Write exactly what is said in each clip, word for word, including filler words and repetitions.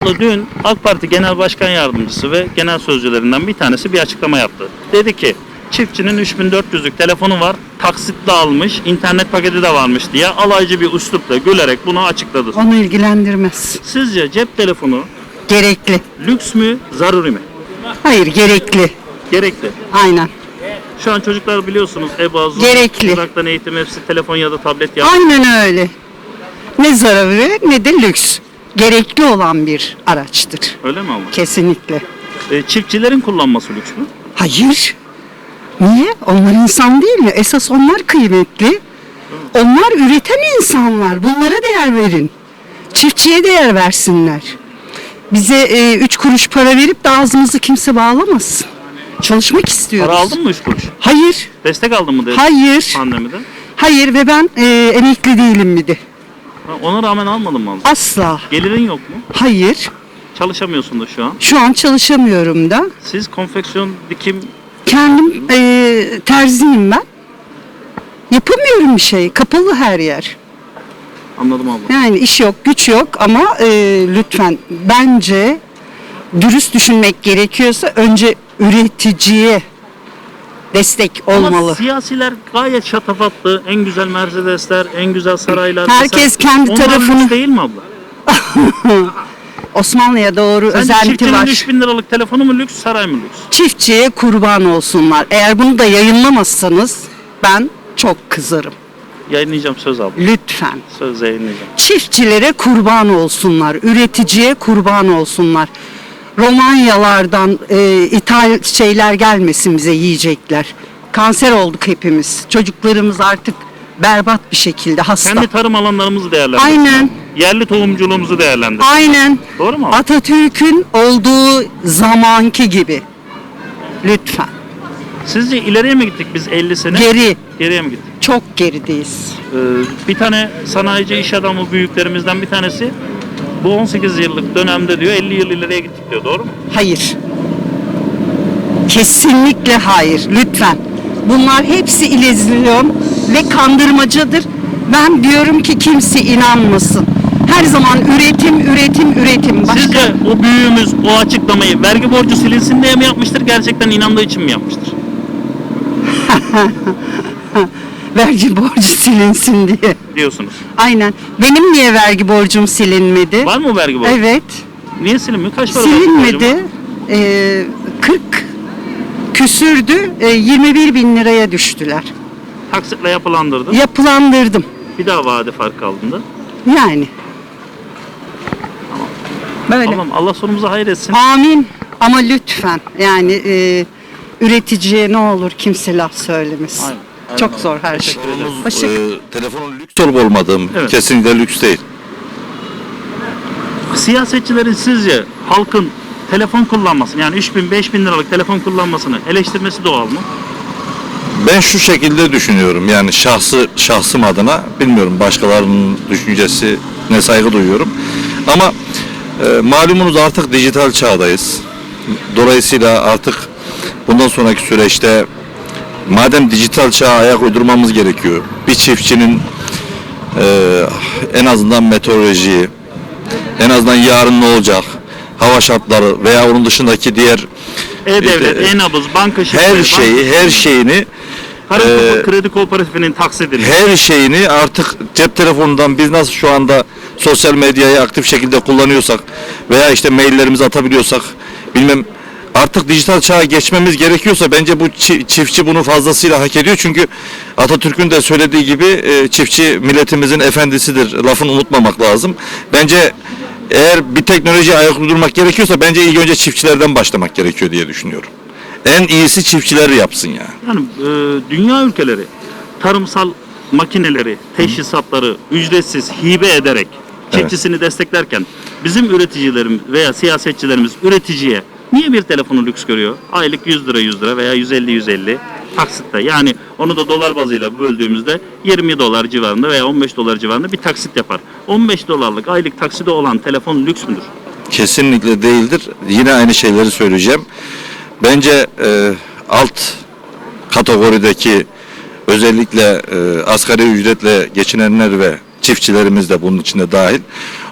Abla dün AK Parti Genel Başkan Yardımcısı ve genel sözcülerinden bir tanesi bir açıklama yaptı. Dedi ki çiftçinin üç bin dört yüzlük telefonu var, taksitle almış, internet paketi de varmış diye alaycı bir üslupla gülerek bunu açıkladı. Onu ilgilendirmez. Sizce cep telefonu Gerekli. lüks mü, zaruri mi? Hayır, gerekli. Gerekli. Aynen. Şu an çocuklar biliyorsunuz EBA, Zoom, Gerekli. uzaktan eğitim hepsi telefon ya da tablet yapıyor. Aynen öyle. Ne zararı ne de lüks. Gerekli olan bir araçtır. Öyle mi abla? Kesinlikle. E, çiftçilerin kullanması lüks mü? Hayır. Niye? Onlar insan değil mi? Esas onlar kıymetli. Onlar üreten insanlar. Bunlara değer verin. Çiftçiye değer versinler. Bize e, üç kuruş para verip de ağzımızı kimse bağlamasın. Çalışmak istiyoruz. Para aldın mı üç kuruş? Hayır. Destek aldın mı dedi Hayır. pandemide? Hayır ve ben e, emekli değilim mi de. Ha, ona rağmen almadın mı abla? Asla. Gelirin yok mu? Hayır. Çalışamıyorsun da şu an. Şu an çalışamıyorum da. Siz konfeksiyon, dikim, Kendim e, terziyim ben. Yapamıyorum bir şey. Kapalı her yer. anladım abla. Yani iş yok, güç yok ama e, lütfen bence dürüst düşünmek gerekiyorsa önce üreticiye destek olmalı. Ama siyasiler gayet şatafatlı. En güzel Mercedesler, en güzel saraylar. Herkes Mesela- kendi Onlar tarafını- lüks değil mi abla? Osmanlı'ya doğru Sence özenti çiftçinin var. üç bin liralık telefonu mu lüks, saray mı lüks? Çiftçiye kurban olsunlar. Eğer bunu da yayınlamazsanız ben çok kızarım. Yayınlayacağım söz abla. Lütfen. Söz yayınlayacağım. Çiftçilere kurban olsunlar, üreticiye kurban olsunlar. Romanyalardan e, ithal şeyler gelmesin bize yiyecekler. Kanser olduk hepimiz. Çocuklarımız artık berbat bir şekilde hasta. Kendi tarım alanlarımızı değerlendirelim. Aynen. Yerli tohumculuğumuzu değerlendirelim. Aynen. Doğru mu? Atatürk'ün olduğu zamanki gibi. Lütfen. Sizce ileriye mi gittik biz elli sene? Geri. Geriye mi gittik? Çok gerideyiz. Ee, bir tane sanayici iş adamı büyüklerimizden bir tanesi bu on sekiz yıllık dönemde diyor elli yıl ileriye gittik diyor. Doğru mu? Hayır. Kesinlikle hayır. Lütfen. Bunlar hepsi illüzyon ve kandırmacadır. Ben diyorum ki kimse inanmasın. Her zaman üretim, üretim, üretim. Başka Sizce o büyüğümüz o açıklamayı vergi borcu silinsin diye mi yapmıştır? Gerçekten inandığı için mi yapmıştır? vergi borcu silinsin diye. Diyorsunuz. Aynen. Benim niye vergi borcum silinmedi? Var mı vergi borcu? Evet. Niye silinmiyor? Kaç para vergi borcu var? Silinmedi. Ee, kırk küsürdü. Ee, yirmi bir bin liraya düştüler. Taksitle yapılandırdın. Yapılandırdım. Bir daha vade farkı aldın. Yani. Böyle. Allah'ım Allah sonumuzu hayır etsin. Amin. Ama lütfen yani e, üreticiye ne olur kimse laf söylemesin. Aynen, aynen Çok öyle. zor her şey. Teşekkür ederim. Başka- Ee, telefonun lüks olup olmadığı mı? Evet. Kesinlikle lüks değil. Siyasetçilerin sizce halkın telefon kullanmasını yani üç bin beş bin liralık telefon kullanmasını eleştirmesi doğal mı? Ben şu şekilde düşünüyorum, yani şahsı şahsım adına, bilmiyorum başkalarının düşüncesi ne, saygı duyuyorum. Ama e, malumunuz artık dijital çağdayız. Dolayısıyla artık bundan sonraki süreçte madem dijital çağa ayak uydurmamız gerekiyor, bir çiftçinin e, en azından meteorolojiyi, en azından yarın ne olacak, hava şartları veya onun dışındaki diğer E-Devlet, İşte, E-Nabız, banka şifre, her şeyi, her şeyini banka, e, kredi kooperatifinin taksidini. her şeyini artık cep telefonundan biz nasıl şu anda sosyal medyayı aktif şekilde kullanıyorsak veya işte maillerimizi atabiliyorsak, bilmem, artık dijital çağa geçmemiz gerekiyorsa bence bu çi- çiftçi bunu fazlasıyla hak ediyor. Çünkü Atatürk'ün de söylediği gibi e, çiftçi milletimizin efendisidir lafını unutmamak lazım. Bence eğer bir teknolojiye ayak uydurmak gerekiyorsa bence ilk önce çiftçilerden başlamak gerekiyor diye düşünüyorum. En iyisi çiftçiler yapsın ya. Yani e, dünya ülkeleri tarımsal makineleri, teşhisatları ücretsiz hibe ederek çiftçisini desteklerken bizim üreticilerimiz veya siyasetçilerimiz üreticiye niye bir telefonu lüks görüyor? Aylık yüz lira yüz lira veya yüz elli yüz elli taksitte. Yani onu da dolar bazıyla böldüğümüzde yirmi dolar civarında veya on beş dolar civarında bir taksit yapar. on beş dolarlık aylık takside olan telefon lüks müdür? Kesinlikle değildir. Yine aynı şeyleri söyleyeceğim. Bence e, alt kategorideki özellikle e, asgari ücretle geçinenler ve çiftçilerimiz de bunun içinde dahil.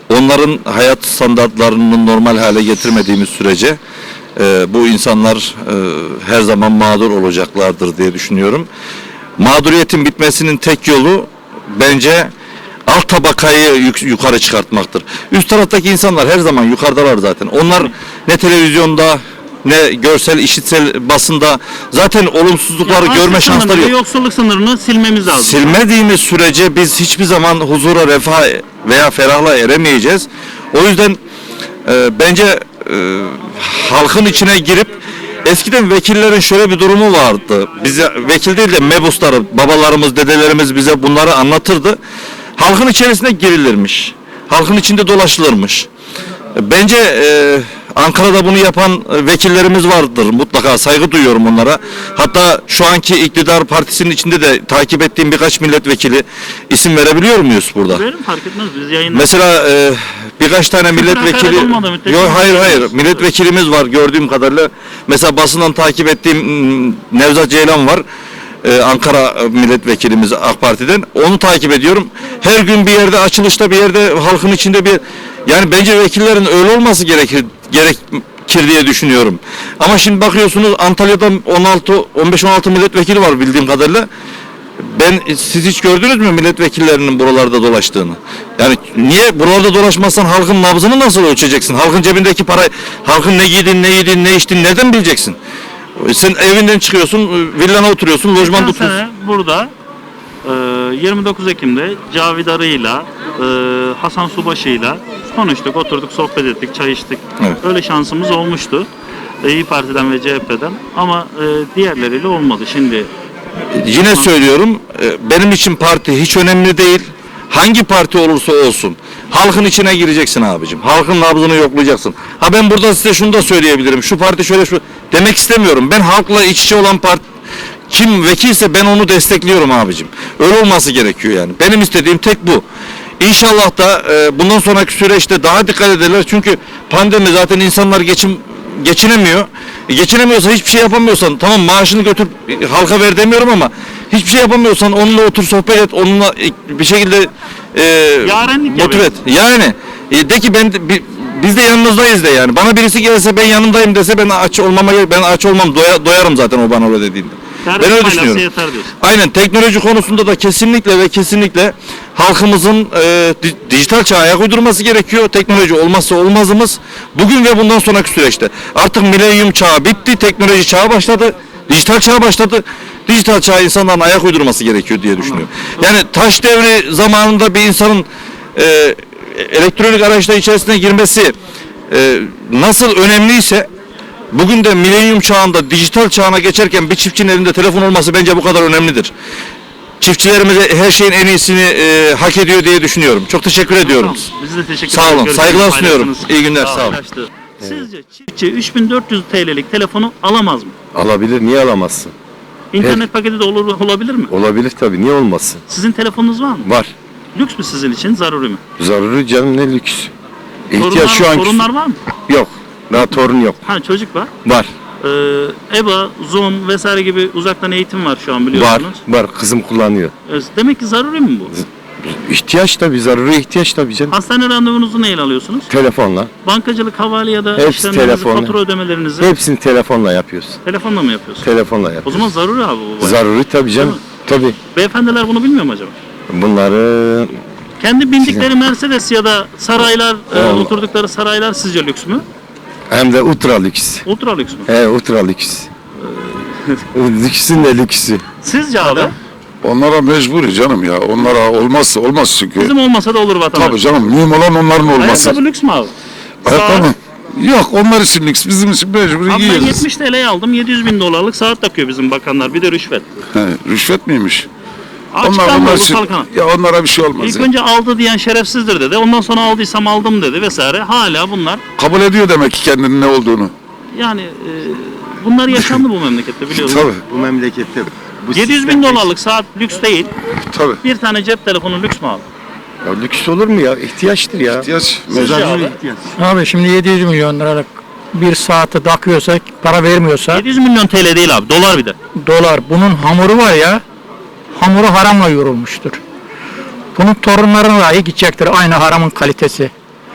onların hayat standartlarını normal hale getirmediğimiz sürece e, bu insanlar e, her zaman mağdur olacaklardır diye düşünüyorum. Mağduriyetin bitmesinin tek yolu bence alt tabakayı yuk- yukarı çıkartmaktır. Üst taraftaki insanlar her zaman yukarıdalar zaten. Onlar ne televizyonda ne görsel, işitsel basında zaten olumsuzlukları Yani görme açlık şansları sınırını, yok. Yoksulluk sınırını silmemiz lazım. Silmediğimiz sürece biz hiçbir zaman huzura, refah veya ferahla eremeyeceğiz. O yüzden e, bence e, halkın içine girip eskiden vekillerin şöyle bir durumu vardı. Bize vekil değil de mebusları, babalarımız, dedelerimiz bize bunları anlatırdı. Halkın içerisine girilirmiş. Halkın içinde dolaşılırmış. Bence e, Ankara'da bunu yapan e, vekillerimiz vardır. Mutlaka saygı duyuyorum onlara. Hatta şu anki iktidar partisinin içinde de takip ettiğim birkaç milletvekili isim verebiliyor muyuz burada? Verim fark etmez biz yayınlar. Mesela e, birkaç tane Küfür, milletvekili hakaret olmadığı müddetçe yok hayır hayır konuşuyoruz. milletvekilimiz var gördüğüm kadarıyla. Mesela basından takip ettiğim m, Nevzat Ceylan var. Ee, Ankara milletvekilimiz AK Parti'den. Onu takip ediyorum. Her gün bir yerde açılışta bir yerde halkın içinde bir yani bence vekillerin öyle olması gerekir gerekir diye düşünüyorum. Ama şimdi bakıyorsunuz Antalya'da on altı on beş on altı milletvekili var bildiğim kadarıyla. Ben siz hiç gördünüz mü milletvekillerinin buralarda dolaştığını? Yani niye buralarda dolaşmazsan halkın nabzını nasıl ölçeceksin? Halkın cebindeki para, halkın ne giydin, ne yedin, ne içtin nereden bileceksin? Sen evinden çıkıyorsun, villana oturuyorsun, lojmanda Geçen oturuyorsun. sene burada e, yirmi dokuz Ekim'de Cavid Arı'yla e, Hasan Subaşı'yla konuştuk, oturduk, sohbet ettik, çay içtik. Evet. Öyle şansımız olmuştu. E, İYİ Parti'den ve C H P'den ama e, diğerleriyle olmadı. Şimdi Yine söylüyorum, e, benim için parti hiç önemli değil. Hangi parti olursa olsun halkın içine gireceksin abicim. Halkın nabzını yoklayacaksın. Ha ben burada size şunu da söyleyebilirim. Şu parti şöyle şu demek istemiyorum. Ben halkla iç içe olan parti kim vekilse ben onu destekliyorum abicim. Öyle olması gerekiyor yani. Benim istediğim tek bu. İnşallah da e, bundan sonraki süreçte daha dikkat ederler. Çünkü pandemi zaten insanlar geçim geçinemiyor. E, geçinemiyorsa hiçbir şey yapamıyorsan tamam maaşını götür e, halka ver demiyorum ama hiçbir şey yapamıyorsan onunla otur sohbet et. Onunla e, bir şekilde e, Yarenlik motive et. yapıyor. Yani e, de ki ben de- bi- biz de yanınızdayız de yani. Bana birisi gelse ben yanındayım dese ben aç olmama ben aç olmam doya- doyarım zaten o bana öyle dediğinde. Servet Ben öyle faydası düşünüyorum. yeter diyorsun. Aynen teknoloji konusunda da kesinlikle ve kesinlikle halkımızın e, di- dijital çağa ayak uydurması gerekiyor. Teknoloji olmazsa olmazımız bugün ve bundan sonraki süreçte. Artık milenyum çağı bitti, teknoloji çağı başladı, dijital çağa başladı. Dijital çağa insanların ayak uydurması gerekiyor diye düşünüyorum. Yani taş devri zamanında bir insanın e, elektronik araçlar içerisine girmesi e, nasıl önemliyse bugün de milenyum çağında dijital çağına geçerken bir çiftçinin elinde telefon olması bence bu kadar önemlidir. Çiftçilerimize her şeyin en iyisini e, hak ediyor diye düşünüyorum. Çok teşekkür ediyorum. Tamam, Biz de teşekkür Sağ ederiz. olun, Görüşürüz, saygılar sunuyorum. paylaştınız. İyi günler, sağ olun. Paylaştı. Sizce çiftçi üç bin dört yüz T L'lik telefonu alamaz mı? Alabilir, niye alamazsın? İnternet paketi de olur, olabilir mi? Olabilir tabii, niye olmasın? Sizin telefonunuz var mı? Var. Lüks mü sizin için, zaruri mi? Zaruri canım, ne lüks. İhtiyaç Torunlar, şu an torunlar var mı? yok. Daha torun yok. Ha çocuk var. Var. Ee, E B A, Zoom vesaire gibi uzaktan eğitim var şu an Var. biliyorsunuz. Var. Kızım kullanıyor. Ee, Demek ki zaruri mi bu? İhtiyaç tabii, zaruri ihtiyaç tabii canım. Hastane randevunuzu neyle alıyorsunuz? Telefonla. Bankacılık, havale ya da Hepsi işlemlerinizi, telefonla. fatura ödemelerinizi Hepsini telefonla yapıyoruz. telefonla mı yapıyorsunuz? Telefonla O yapıyoruz. zaman zaruri abi bu. bayağı. Zaruri tabii canım. Değil Tabii. Beyefendiler bunu bilmiyor mu acaba? Bunları Kendi bindikleri Mercedes ya da saraylar, e, Allah. oturdukları saraylar sizce lüks mü? hem de ultra lüks. Ultra lüks mü? He, ultra lüks. Lüksün de lüksü. Sizce abi? Onlara mecburi canım ya. Onlara olmazsa olmaz çünkü. Bizim olmasa da olur vatandaş. Tabii canım mühim olan onların olması. Ayakkabı lüks mü abi? Ayakkabı. Saat. Yok onlar için lüks. Bizim için mecburi Abi ben giyiyoruz. yetmiş T L'ye aldım. yedi yüz bin dolarlık saat takıyor bizim bakanlar. Bir de rüşvet. He, rüşvet miymiş? Açıktan onlar mı onlar olur için, kalkana? ya onlara bir şey olmaz İlk ya. önce aldı diyen şerefsizdir dedi. Ondan sonra aldıysam aldım dedi vesaire. Hala bunlar Kabul ediyor demek ki kendinin ne olduğunu. yani e, bunlar yaşandı bu memlekette biliyorsunuz. Tabii. Bu memlekette bu yedi yüz bin sistem- dolarlık saat lüks değil. Tabii. Bir tane cep telefonu lüks mü abi? Ya lüks olur mu ya? İhtiyaçtır ya. İhtiyaç. Sizce abi? Abi şimdi yedi yüz milyon liralık bir saati takıyorsak, para vermiyorsa yedi yüz milyon T L değil abi. Dolar bir de. dolar. Bunun hamuru var ya, hamuru haramla yoğrulmuştur. Bunun torunlarına dahi gidecektir aynı haramın kalitesi.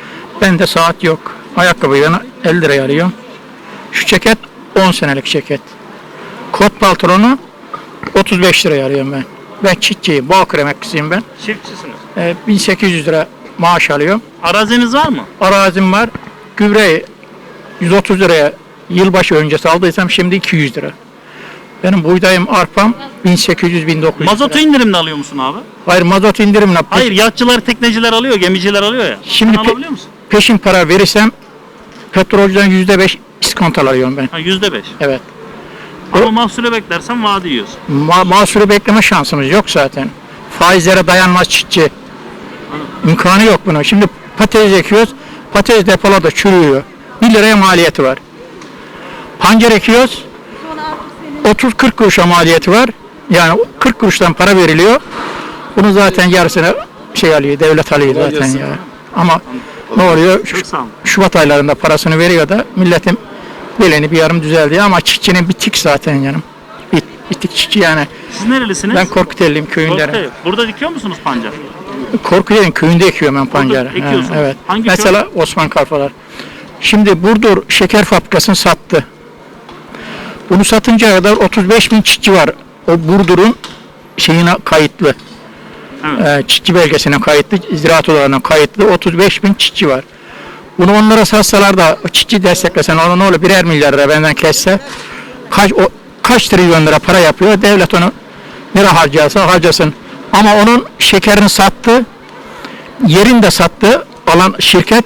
Bende saat yok. Ayakkabıyı ben elli liraya alıyorum. Şu ceket on senelik ceket. Kot pantolonu otuz beş liraya alıyorum ben. Ben çiftçiyim, Bağkur emeklisiyim ben. Çiftçisiniz. Ee, bin sekiz yüz lira maaş alıyorum. Araziniz var mı? Arazim var. Gübreyi yüz otuz liraya yılbaşı öncesi aldıysam şimdi iki yüz lira. Benim buğdayım, arpam bin sekiz yüz bin dokuz yüz Mazotu lira. indirimle alıyor musun abi? Hayır, mazot indirimle. pe- Hayır, yatçılar, tekneciler alıyor, gemiciler alıyor ya. Şimdi Sen pe- alabiliyor musun? peşin para verirsem petrolcüden yüzde beş iskonto alıyorum ben. Ha, yüzde beş. Evet. Ama mahsule beklersen vade yiyorsun. Ma mahsulü bekleme şansımız yok zaten. Faizlere dayanmaz çiftçi. İmkanı yok bunun. Şimdi patates ekiyoruz. Patates depolarda çürüyor. bir liraya maliyeti var. Pancar ekiyoruz. otuz kırk kuruşa maliyeti var. Yani kırk kuruştan para veriliyor. Bunu zaten yarısını şey alıyor, devlet alıyor zaten ya. Ama ne oluyor? Şu- Çok sağ olun. Şubat aylarında parasını veriyor da milletin beleni bir yarım düzeldi ama çiftçinin bitik zaten yanım. Bit, bitik çiftçi yani. Siz nerelisiniz? Ben Korkuteli'yim köyündenim. Korkuteli. Burada dikiyor musunuz pancar? Korkuteli'nin köyünde ekiyorum ben pancarı. Burada ekiyorsunuz. Ha, evet. Hangi Mesela Osman Karfalar. Şimdi Burdur şeker fabrikasını sattı. Bunu satınca kadar otuz beş bin çiftçi var. O Burdur'un şeyine kayıtlı. Evet. Ee, çiftçi belgesine kayıtlı, ziraat odalarına kayıtlı otuz beş bin çiftçi var. Bunu onlara satsalar da o çiftçi desteklesen ona ne olur birer milyar lira benden kesse kaç o kaç trilyon lira para yapıyor. Devlet onu nereye harcarsa harcasın. Ama onun şekerini sattı. Yerini de sattı. Alan şirket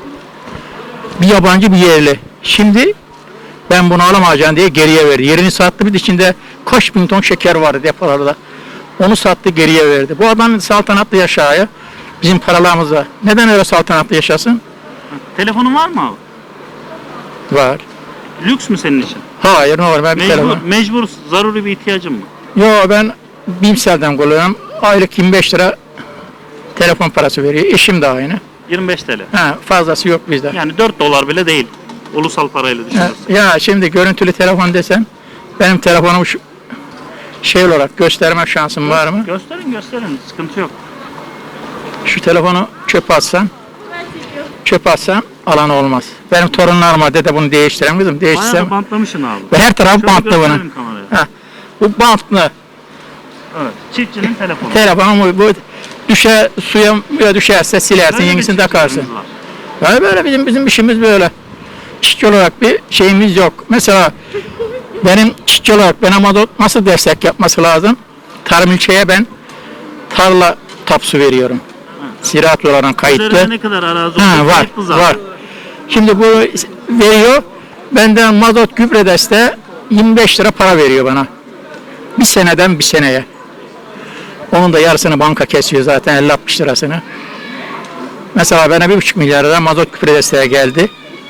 bir yabancı bir yerli. Şimdi ben bunu alamayacağım diye geriye verdi. Yerini sattı, bir de içinde kaç bin ton şeker vardı depolarda. Onu sattı, geriye verdi. Bu adam saltanatlı yaşaya bizim paralarımız var. Neden öyle saltanatlı yaşasın? Telefonun var mı abi? Var. Lüks mü senin için? Hayır, ne var, ben bir Mecbur, telefon. mecbur, zaruri bir ihtiyacın mı? Yo, ben Bimsel'den kullanıyorum. Aylık yirmi beş lira telefon parası veriyor. Eşim de aynı. yirmi beş TL. Ha, fazlası yok bizde. Yani dört dolar bile değil. Ulusal parayla Ha, düşünürsün. ya şimdi görüntülü telefon desen benim telefonumu şu şey olarak gösterme şansım var mı? Gösterin gösterin, sıkıntı yok. Şu telefonu çöpe atsam, çöpe atsam alan olmaz. Benim torunlarıma dede bunu değiştirem kızım, Bayağı da değiştirsem. bantlamışsın abi. Ve her taraf Şöyle bantlı bunun. gösterelim kameraya. Ha, bu bantlı Evet. Çiftçinin telefonu. telefon bu, bu düşe suya ya düşerse silersin, Böyle bir yenisini takarsın. çiftçilerimiz var. Yani böyle bizim bizim işimiz böyle. Çiftçi olarak bir şeyimiz yok. Mesela benim çiftçi olarak bana mazot nasıl destek yapması lazım? Tarım ilçeye ben tarla tapsu veriyorum. Ziraat olarak kayıtlı. Üzerinde ne kadar arazi Ha, olduğu var, kayıtlı zaten. var. Şimdi bu veriyor, benden mazot gübre desteği yirmi beş lira para veriyor bana. Bir seneden bir seneye. Onun da yarısını banka kesiyor zaten, elli altmış lirasını. Mesela bana bir buçuk milyar lira mazot gübre desteği geldi.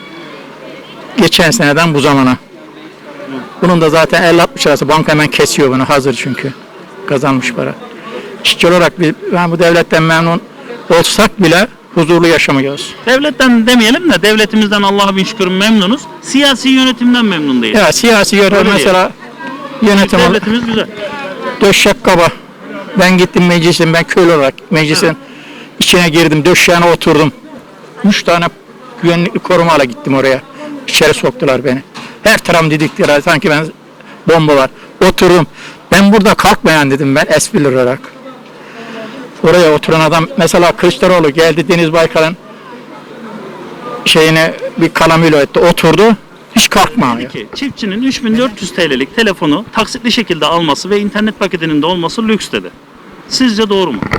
Geçen seneden bu zamana. Bunun da zaten elli altmış lirası banka hemen kesiyor bunu, hazır çünkü. Kazanmış para. İşçi olarak biz, ben bu devletten memnun olsak bile huzurlu yaşamıyoruz. Devletten demeyelim de devletimizden Allah'a bin şükür memnunuz. Siyasi yönetimden memnun değiliz. Ya siyasi yönetim Öyle mesela yönetim olarak Devletimiz güzel. döşek kaba. Ben gittim meclisin, ben köylü olarak meclisin içine girdim, döşeğine oturdum. Üç tane güvenlikli korumayla gittim oraya. İçeri soktular beni. Her tarafım didiktiler, sanki ben bomba var. Oturdum. Ben burada kalkmayan dedim ben esprili olarak. Oraya oturan adam mesela Kılıçdaroğlu geldi, Deniz Baykal'ın şeyine bir kalamıyla etti, oturdu. Hiç kalkma. Peki çiftçinin üç bin dört yüz T L'lik telefonu taksitli şekilde alması ve internet paketinin de olması lüks dedi. Sizce doğru mu?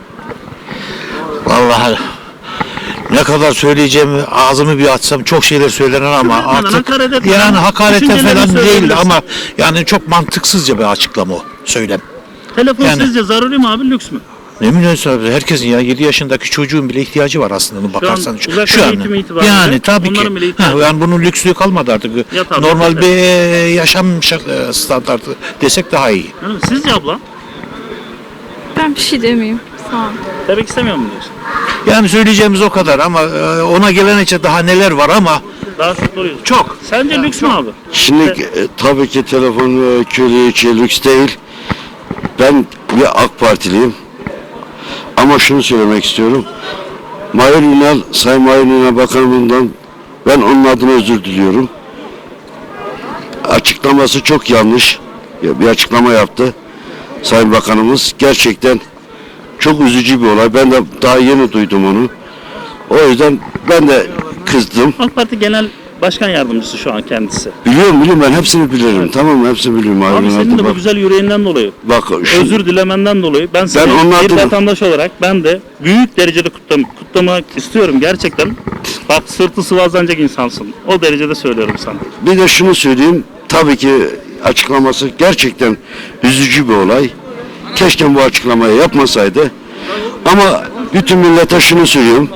Vallahi ne kadar söyleyeceğimi ağzımı bir açsam çok şeyler söylenir ama Küfür etmeden, artık hakaret etmeden, yani hakarete düşüncelerini falan değil söyleyebilirsin. ama yani çok mantıksızca bir açıklama o söylem. Telefon Yani- sizce zaruri mi abi, lüks mü? Ne münasebet herkesin ya yedi yaşındaki çocuğun bile ihtiyacı var aslında bakarsan. uzaktan eğitim itibariyle yani tabii ki. onların bile Ha, ihtiyacı var. yani bunun lüksü kalmadı artık. Ya tabii, Normal tabii. bir e, yaşam şa- e, standartı desek daha iyi. Yani sizce abla? Ben bir şey demeyeyim. Sağ ol. Demek istemiyor mu diyorsun? Yani söyleyeceğimiz o kadar ama e, ona gelene daha neler var ama Daha çok soruyorsun. çok. Sence lüks mü abi? Şimdi e, tabii ki telefon e, köylü için lüks değil. Ben bir AK Partiliyim. Ama şunu söylemek istiyorum. Mahir Ünal, Sayın Mahir Ünal Bakanımızdan ben onun adına özür diliyorum. Açıklaması çok yanlış. Ya bir açıklama yaptı Sayın Bakanımız. Gerçekten çok üzücü bir olay. Ben de daha yeni duydum onu. O yüzden ben de kızdım. AK Parti Genel Başkan Yardımcısı şu an kendisi. Biliyorum biliyorum ben hepsini bilirim. Tamam mı? Hepsini biliyorum. Mahir Abi Ünal'da senin de bu bak. güzel yüreğinden dolayı, Bak şu, özür dilemenden dolayı ben seni Ben onun bir adına- vatandaş olarak ben de büyük derecede kutlam kutlamak istiyorum gerçekten. Bak sırtı sıvazlanacak insansın. O derecede söylüyorum sana. bir de şunu söyleyeyim. Tabii ki açıklaması gerçekten üzücü bir olay. Keşke bu açıklamayı yapmasaydı. Ama bütün millete şunu söylüyorum.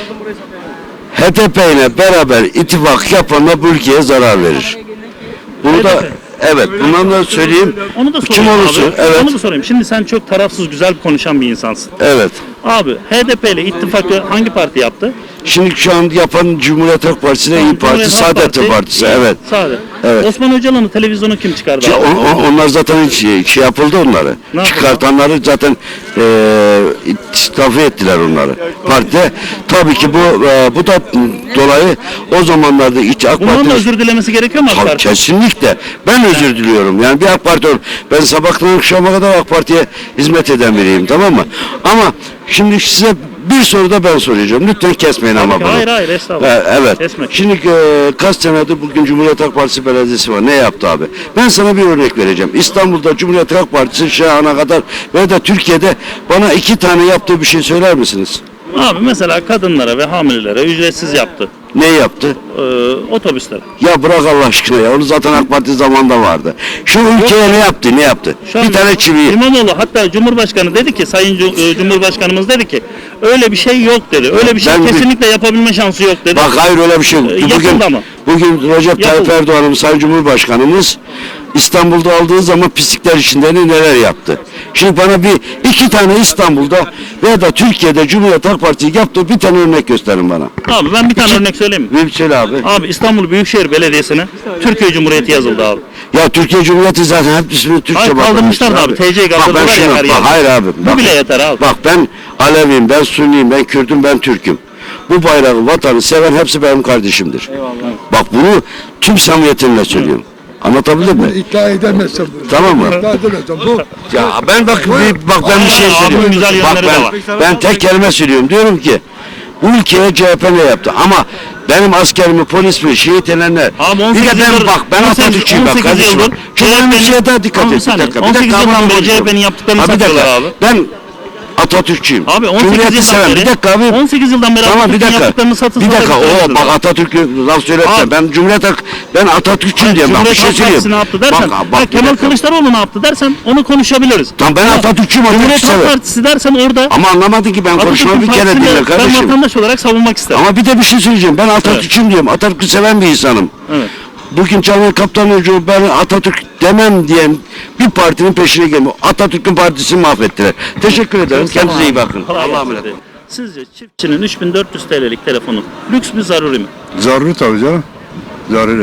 H D P ile beraber ittifak yapanlar bu ülkeye zarar verir. Bunu da H D P. evet, bundan da söyleyeyim. Onu da Kim sorayım olursa, abi. evet. Onu da sorayım. Şimdi sen çok tarafsız güzel konuşan bir insansın. Evet. Abi H D P ile ittifakı hangi parti yaptı? Şimdi şu an yapan Cumhuriyet Halk Partisi ile İYİ Parti, Cumhuriyet Halk Saadet Parti, Partisi. İYİ, Evet. Saadet. Evet. Osman Öcalan'ı televizyonu kim çıkardı Ki abi? on- on- onlar zaten şey, şey yapıldı onları. Ne yapıldı? Çıkartanları zaten eee istifa ettiler onları. Partide tabii ki bu eee, bu da dolayı o zamanlarda iç AK Bundan Parti da özür dilemesi gerekiyor mu AK Tabii, Parti? kesinlikle. Ben özür diliyorum. Yani bir AK Parti ol- ben sabahtan akşama kadar AK Parti'ye hizmet eden biriyim, tamam mı? Ama şimdi size bir soru da ben soracağım. Lütfen kesmeyin ama Tabii ki, bunu. hayır, hayır, estağfurullah. Ha, evet. Kesmek. Şimdi e, kaç senedir bugün Cumhuriyet Halk Partisi belediyesi var. Ne yaptı abi? Ben sana bir örnek vereceğim. İstanbul'da Cumhuriyet Halk Partisi şu ana kadar ve de Türkiye'de bana iki tane yaptığı bir şey söyler misiniz? Abi mesela kadınlara ve hamilelere ücretsiz yaptı. Ne yaptı? Ee, otobüslere. Ya bırak Allah aşkına ya. Onu zaten AK Parti zamanında vardı. Şu ülkeye ne yaptı? Ne yaptı? Şu an Bir tane çiviyi. İmamoğlu hatta Cumhurbaşkanı dedi ki Sayın Cu- e, Cumhurbaşkanımız dedi ki öyle bir şey yok dedi. Öyle bir şey Ben bir- kesinlikle yapabilme şansı yok dedi. Bak hayır öyle bir şey yok. Ee, Bugün, yapıldı ama. bugün Recep Tayyip Yapıldı. Erdoğan'ımız, Sayın Cumhurbaşkanımız İstanbul'da aldığı zaman pislikler içinde ne- neler yaptı. Şimdi bana bir iki tane İstanbul'da veya da Türkiye'de Cumhuriyet Halk Partisi yaptığı bir tane örnek gösterin bana. Abi ben bir tane örnek söyleyeyim mi? Bir söyle abi. Abi İstanbul Büyükşehir Belediyesi'ne Türkiye Cumhuriyeti yazıldı abi. Ya Türkiye Cumhuriyeti zaten hep ismini Türkçe Hayır, kaldırmışlar da bakmışlar abi. T C'yi Bak ben kaldırdılar ya şunu, her bak yerde. hayır abi. Bu bak. bile yeter abi. Bak ben Aleviyim, ben Sünniyim, ben Kürt'üm, ben Türk'üm. Bu bayrağı, vatanı seven hepsi benim kardeşimdir. Bak bunu tüm samimiyetimle söylüyorum. Anlatabildim mi? İddia edemezsem bunu. Tamam mı? İddia edemezsem bu. Ya ben bak bir, bak ben bir şey Abi, söylüyorum. güzel Bak yönleri de var. ben ben tek kelime söylüyorum. Diyorum ki bu ülkeye C H P ne yaptı? Ama benim askerimi, polisimi, şehit edenler. Abi Bir on sekiz de ben yıldır- bak ben on sekiz Atatürkçüyüm bak on sekiz kardeşim. yıldır Çok önemli bir şeye daha dikkat Abi bir et. Bir saniye, dakika. Bir on sekiz dakika. yıldan ama beri konuşuyorum. C H P'nin yaptıklarını Ha, bir dakika. satıyorlar abi. Ben Atatürkçüyüm. Abi on sekiz Cumhuriyeti yıldan seven. beri Bir dakika abi. on sekiz yıldan beri Tamam bir Atatürk'ün dakika. yaptıklarını satın Bir dakika. satıyorlar. Oo bak Atatürk'ü laf söyletme. Abi. Ben Cumhuriyet Halk ben Atatürkçüyüm diyorum. Bak bir Cumhuriyet şey Halk Partisi ne söyleyeyim. yaptı dersen, Bak, ha, bak, bir Kemal dakika. Kılıçdaroğlu ne yaptı dersen onu konuşabiliriz. Tamam ben Ama Atatürkçüyüm. Cumhuriyet Atatürk'ü Halk severim. Partisi dersen orada Ama anlamadın ki ben konuşmamı bir kere Partisini dinle ben kardeşim. vatandaş olarak savunmak isterim. Ama bir de bir şey söyleyeceğim. Ben Atatürkçüyüm diyorum. Atatürk'ü seven bir insanım. Evet. Bugün Canan Kaptanoğlu ben Atatürk demem diyen bir partinin peşine gelmiyor. Atatürk'ün partisini mahvettiler. Teşekkür ederim. Kendinize iyi bakın. Kolay Allah'a gelsin. emanet. Sizce çiftçinin üç bin dört yüz T L'lik telefonu lüks mü zaruri mi? Zaruri tabii canım. Zaruri.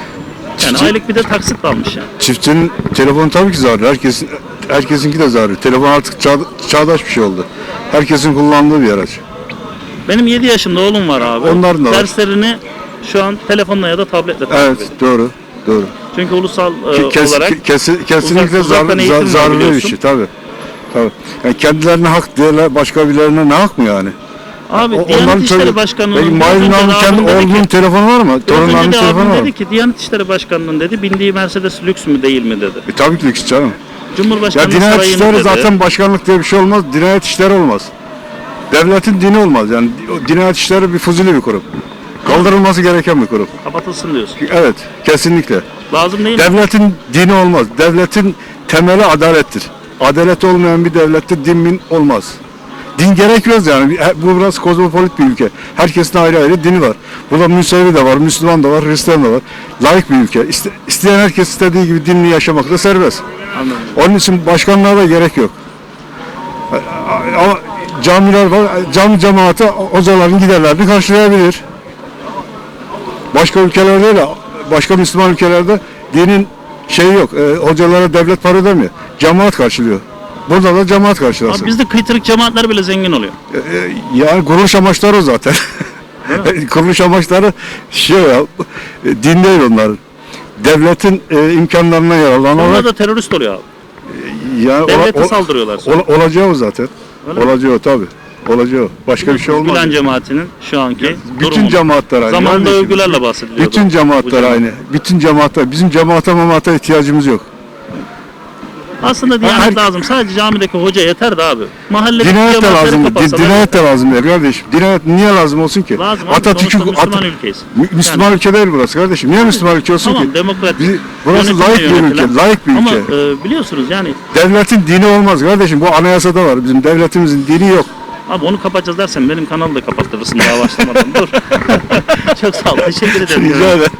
Yani aylık bir de taksit almış yani. Çiftçinin telefonu tabii ki zaruri. Herkesin, herkesinki de zaruri. Telefon artık çağ, çağdaş bir şey oldu. Herkesin kullandığı bir araç. Benim yedi yaşında oğlum var abi. Onların da var. Derslerini şu an telefonla ya da tabletle takip Evet, ediyor. doğru. Doğru. Çünkü ulusal e, Kes, olarak kes- kesinlikle uzak- uzaktan zar, eğitim zar, var zaruri bir biliyorsun. şey tabii. Tabii. Yani kendilerine hak diyorlar, başka birilerine ne hak mı yani? abi O- Diyanet onların İşleri çocuğu- Başkanı'nın Peki biraz Mahir önce Ünal'ın de kendi abim dedi ki- oğlunun telefonu var mı? biraz önce Torunlarının de telefonu abim var mı? dedi ki Diyanet İşleri Başkanı'nın dedi bindiği Mercedes lüks mü değil mi dedi. E, tabii ki lüks canım. Cumhurbaşkanı Ya dinayet sarayını işleri dedi. zaten başkanlık diye bir şey olmaz. Dinayet işleri olmaz. Devletin dini olmaz. Yani o dinayet işleri bir fuzuli bir kurum. Kaldırılması gereken bir kurum. Kapatılsın diyorsun. Evet, kesinlikle. Lazım değil mi? Devletin dini olmaz. Devletin temeli adalettir. Adalet olmayan bir devlette din min olmaz. Din gerekmez yani. Bu biraz kozmopolit bir ülke. Herkesin ayrı ayrı dini var. Burada Müsevi de var, Müslüman da var, Hristiyan da var. Layık bir ülke. İste, isteyen herkes istediği gibi dinini yaşamakta serbest. Anladım. Onun için başkanlığa da gerek yok. Ama camiler var, cami cemaati hocaların giderlerini karşılayabilir. Başka ülkelerde öyle, başka Müslüman ülkelerde dinin şeyi yok, e, hocalara devlet para ödemiyor, cemaat karşılıyor. Burada da cemaat Abi karşılasın. bizde kıytırık cemaatler bile zengin oluyor. E, e, Yani kuruluş amaçları o zaten. Kuruluş amaçları şey ya, e, din değil onların. Devletin e, imkanlarına Onlar yararlanarak da terörist oluyor abi. yani Devlete ola- saldırıyorlar sonra. ola- olacağı o zaten. Öyle mi? Olacağı o tabii. Olacağı o. Başka bir şey olmaz. Gülen cemaatinin şu anki Bütün durumu. cemaatler aynı. Zamanında Kardeşim, övgülerle bahsediliyordu. Bütün Bu cemaatler cemaat. aynı. Bütün cemaatler. Bizim cemaate mamaata ihtiyacımız yok. Aslında diyanet Her- lazım. Sadece camideki hoca yeter de abi. Mahallede Dinayet de cemaatleri lazım. Di- kapatsalar Dinayet de lazım değil kardeşim. Dinayet niye lazım olsun ki? lazım abi. Atatürk'ün Sonuçta Müslüman Ata- ülkeyiz. Mü- Müslüman ülke değil burası kardeşim. Niye Müslüman ülke olsun Tamam ki? demokrat. Bizi- burası yönetimle layık bir yönetilen. ülke. Layık bir Ama ülke. e, biliyorsunuz yani Devletin dini olmaz kardeşim. Bu anayasada var. Bizim devletimizin dini yok. abi onu kapatacağız dersen benim kanalı da kapattırırsın daha başlamadan. Dur. Çok sağ ol. Teşekkür ederim. Rica ederim.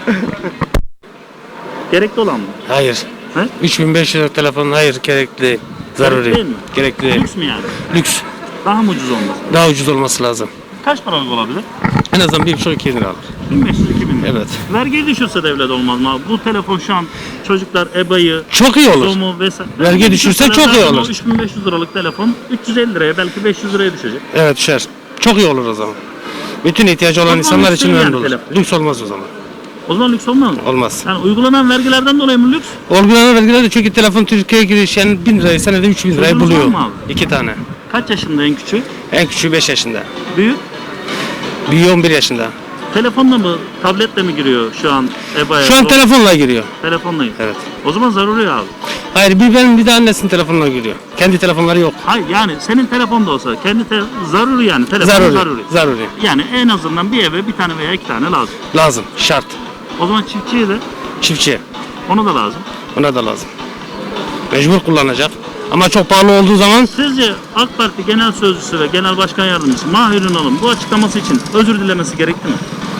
Gerekli olan mı? Hayır. He? üç bin beş yüz lira telefon hayır gerekli. Zaruri. Değil mi? Gerekli değil. Lüks mü yani? Lüks. Daha mı ucuz olması? Daha ucuz olması lazım. Kaç paralık olabilir? En azından bir buçuk iki lira alır. bin beş yüz iki bin lira. Evet. Vergiyi düşürse devlet olmaz mı abi? Bu telefon şu an çocuklar EBA'yı, Çok iyi olur. Zoom'u vesaire. Vergi düşürse çok iyi zaten o olur. üç bin beş yüz liralık telefon üç yüz elli liraya belki beş yüz liraya düşecek. Evet düşer. Çok iyi olur o zaman. Bütün ihtiyacı olan zaman insanlar lüks için değil önemli yani olur. telefon. Lüks olmaz o zaman. O zaman lüks olmaz mı? Olmaz. Yani uygulanan vergilerden dolayı mı lüks? Uygulanan vergiler de çünkü telefon Türkiye'ye giriş yani bin lirayı senede üç bin lirayı Çocuğunuz var buluyor. mı abi? İki tane. Kaç yaşında en küçük? En küçüğü beş yaşında. Büyük? Büyüğü on bir yaşında. Telefonla mı, tabletle mi giriyor şu an EBA'ya? Şu an Zor- telefonla giriyor. Telefonla. Evet. O zaman zaruri abi. Hayır bir benim bir de annesinin telefonla giriyor. Kendi telefonları yok. Hayır yani senin telefon da olsa kendi te- zaruri yani telefon zaruri. Zaruri. Zaruri. Yani en azından bir eve bir tane veya iki tane lazım. Lazım. Şart. O zaman çiftçiye de Çiftçiye. onu da lazım. Ona da lazım. Mecbur kullanacak. Ama çok pahalı olduğu zaman Sizce AK Parti Genel Sözcüsü ve Genel Başkan Yardımcısı Mahir Ünal'ın bu açıklaması için özür dilemesi gerekti mi?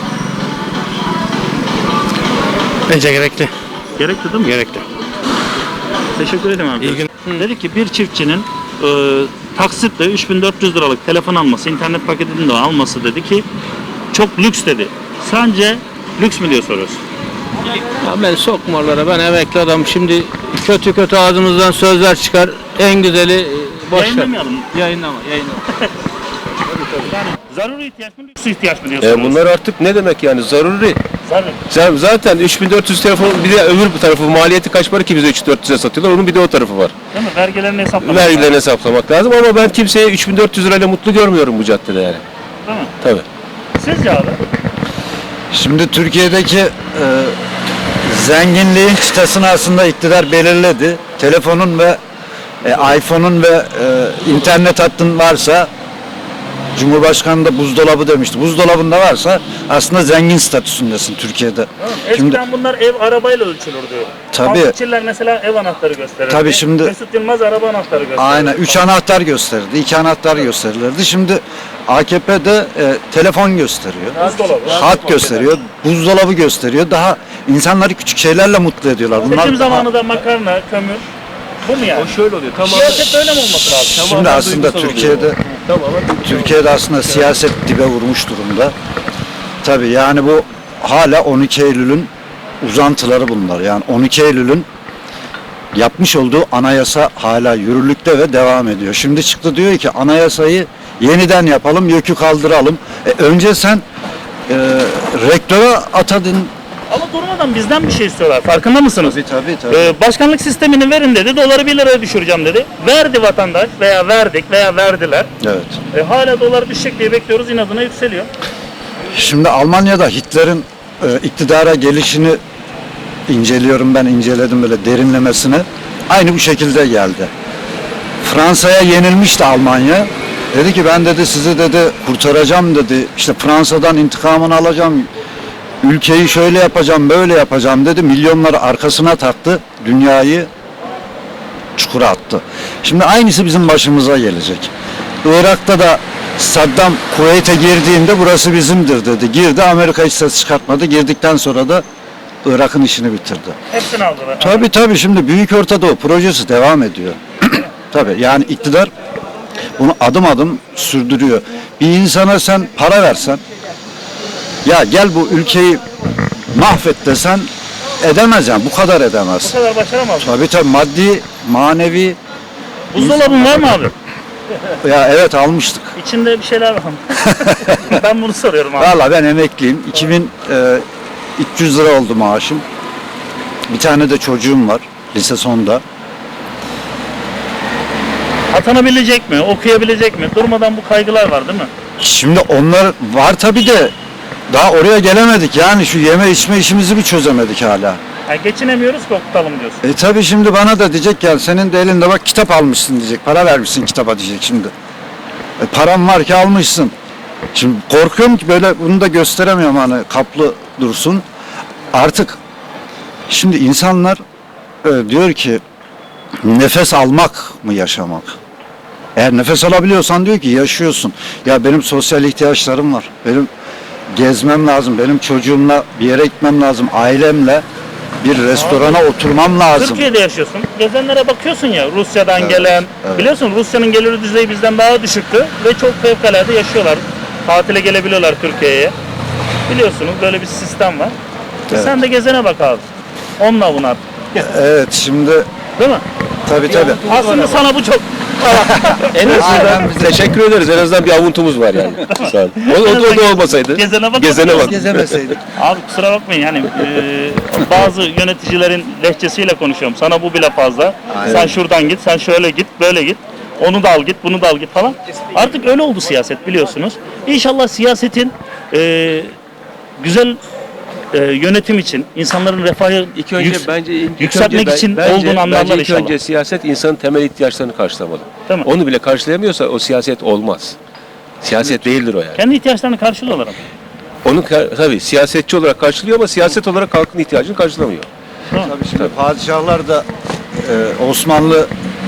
bence gerekli. Gerekti değil mi? Gerekli. Teşekkür ederim abi. İyi gün. Dedi ki bir çiftçinin e, taksitle üç bin dört yüz liralık telefon alması, internet paketini de alması dedi ki çok lüks dedi. Sence lüks mü diye soruyorsun. Ya ben sokma oralara, ben emekli adam. Şimdi kötü kötü ağzımızdan sözler çıkar. En güzeli e, boş ver. Yayınlamayalım. Yayınlama, yayınlama. Zaruri ihtiyaç mı, lüks ihtiyaç mı diye E soruyorsun. bunlar artık ne demek yani zaruri. Zaruri. Sen zaten üç bin dört yüz telefon bir de öbür bir tarafı maliyeti kaç para ki bize üç bin dört yüze satıyorlar. Onun bir de o tarafı var. Değil mi? Vergilerini hesaplamak. Vergilerini hesaplamak lazım ama ben kimseye üç bin dört yüz lirayla mutlu görmüyorum bu caddede yani. Değil mi? Tabii. Sizce abi? Şimdi Türkiye'deki e, zenginliğin çıtasını aslında iktidar belirledi. Telefonun ve e, iPhone'un ve e, internet hattın varsa, Cumhurbaşkanı da buzdolabı demişti. Buzdolabında varsa aslında zengin statüsündesin Türkiye'de. Eskiden Şimdi bunlar ev arabayla ölçülürdü. Tabii. Taksitçiler mesela ev anahtarı gösterirdi. Tabii şimdi- Mesut Yılmaz araba anahtarı gösterirdi. aynen üç anahtar gösterirdi, iki anahtar gösterilirdi. Şimdi A K P'de e, telefon gösteriyor. Buzdolabı. Hat gösteriyor, buzdolabı gösteriyor. Daha insanları küçük şeylerle mutlu ediyorlar. Seçim daha- zamanı da makarna, kömür. Bu mu yani? O şöyle oluyor. Tamam. Siyaset öyle mi olması lazım? Şimdi aslında Türkiye'de Türkiye'de aslında siyaset dibe vurmuş durumda. Tabii yani bu hala on iki Eylül'ün uzantıları bunlar. Yani on iki Eylül'ün yapmış olduğu anayasa hala yürürlükte ve devam ediyor. Şimdi çıktı diyor ki anayasayı yeniden yapalım, yökü kaldıralım. E, önce sen e, rektöre atadın. Ama durmadan bizden bir şey istiyorlar. Farkında mısınız? Tabii tabii tabii. Ee, başkanlık sistemini verin dedi. Doları bir liraya düşüreceğim dedi. Verdi vatandaş veya verdik veya verdiler. Evet. E, hala dolar düşecek diye bekliyoruz. İnadına yükseliyor. Şimdi Almanya'da Hitler'in e, iktidara gelişini inceliyorum ben, inceledim böyle derinlemesine. Aynı bu şekilde geldi. Fransa'ya yenilmişti Almanya. Dedi ki ben dedi sizi dedi kurtaracağım dedi. İşte Fransa'dan intikamını alacağım. Ülkeyi şöyle yapacağım, böyle yapacağım dedi. Milyonları arkasına taktı. Dünyayı çukura attı. Şimdi aynısı bizim başımıza gelecek. Irak'ta da Saddam Kuveyt'e girdiğinde burası bizimdir dedi. Girdi, Amerika hiç ses çıkartmadı. Girdikten sonra da Irak'ın işini bitirdi. Hepsini aldılar. Tabii tabii şimdi Büyük Ortadoğu projesi devam ediyor. Tabii yani iktidar bunu adım adım sürdürüyor. Bir insana sen para versen, ya gel bu ülkeyi mahvet desen edemez yani bu kadar edemez. Bu kadar başaramaz. Tabii tabii maddi, manevi Buzdolabın var mı abi? Ya evet almıştık. İçinde bir şeyler var mı? Ben bunu soruyorum abi. Valla ben emekliyim. iki bin üç yüz lira oldu maaşım. Bir tane de çocuğum var. Lise sonda. Atanabilecek mi? Okuyabilecek mi? Durmadan bu kaygılar var değil mi? Şimdi onlar var tabii de daha oraya gelemedik. Yani şu yeme içme işimizi bir çözemedik hala. Yani geçinemiyoruz ki okutalım diyorsun. E tabii şimdi bana da diyecek ya senin de elinde bak kitap almışsın diyecek. Para vermişsin kitaba diyecek şimdi. E, param var ki almışsın. Şimdi korkuyorum ki böyle bunu da gösteremiyorum hani kaplı dursun. Artık şimdi insanlar e, diyor ki nefes almak mı yaşamak? Eğer nefes alabiliyorsan diyor ki yaşıyorsun. Ya benim sosyal ihtiyaçlarım var. Benim gezmem lazım. Benim çocuğumla bir yere gitmem lazım. Ailemle bir restorana oturmam lazım. Türkiye'de yaşıyorsun. Gezenlere bakıyorsun ya Rusya'dan Evet, gelen. evet. Biliyorsun Rusya'nın gelir düzeyi bizden daha düşüktü ve çok fevkalade yaşıyorlar. Tatile gelebiliyorlar Türkiye'ye. Biliyorsunuz böyle bir sistem var. Evet. Sen de gezene bak abi. Onunla bunu artık. Evet şimdi Değil mi? tabii tabii. Aslında sana bu çok En azından teşekkür ederiz. En azından bir avuntumuz var yani. Sağ olun. O, o, o da olmasaydı. Gezene bak. Gezene bak. Gezemeseydik. Abi kusura bakmayın yani e, bazı yöneticilerin lehçesiyle konuşuyorum. Sana bu bile fazla. Sen şuradan git, sen şöyle git, böyle git. Onu da al git, bunu da al git falan. Artık öyle oldu siyaset biliyorsunuz. İnşallah siyasetin e, güzel e, yönetim için, insanların refahı İlk önce yüks- bence ilk yükseltmek önce, için bence, olduğunu anlarlar bence ilk inşallah. önce siyaset insanın temel ihtiyaçlarını karşılamalı. Değil mi? Onu bile karşılayamıyorsa o siyaset olmaz. Siyaset değildir o yani. Kendi ihtiyaçlarını karşılıyorlar ama. Onu ka- tabii siyasetçi olarak karşılıyor ama siyaset olarak halkın ihtiyacını karşılamıyor. Tabii şimdi padişahlar da e, Osmanlı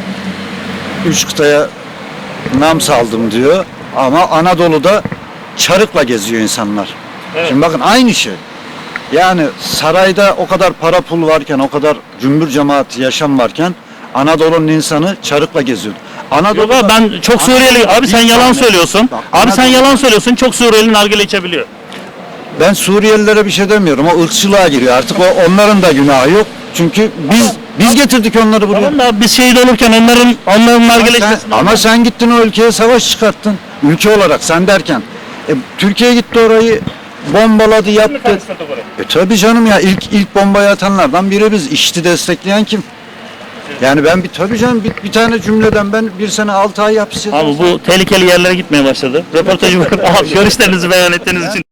üç kıtaya nam saldım diyor ama Anadolu'da çarıkla geziyor insanlar. Evet. Şimdi bakın aynı şey. Yani sarayda o kadar para pul varken, o kadar cümbür cemaat yaşam varken Anadolu'nun insanı çarıkla geziyordu. Yok Anadolu'da abi ben çok Suriyeli, abi sen bir yalan tane- söylüyorsun. Bak, Abi sen Anadolu- yalan söylüyorsun, çok Suriyeli nargile içebiliyor. Ben Suriyelilere bir şey demiyorum. O ırkçılığa giriyor. Artık o onların da günahı yok. Çünkü biz biz getirdik onları buraya. Tamam da abi biz şehit olurken onların onların nargile Ama sen, içmesini ama sen gittin o ülkeye savaş çıkarttın. Ülke olarak sen derken. E, Türkiye gitti orayı bombaladı yaptı. E tabii canım ya ilk ilk bombayı atanlardan biri biz. İşçi destekleyen kim? Yani ben bir tabii canım bir, bir tane cümleden ben bir sene altı ay hapis Abi bu tehlikeli yerlere gitmeye başladı. Röportajı abi görüşlerinizi beyan ettiğiniz için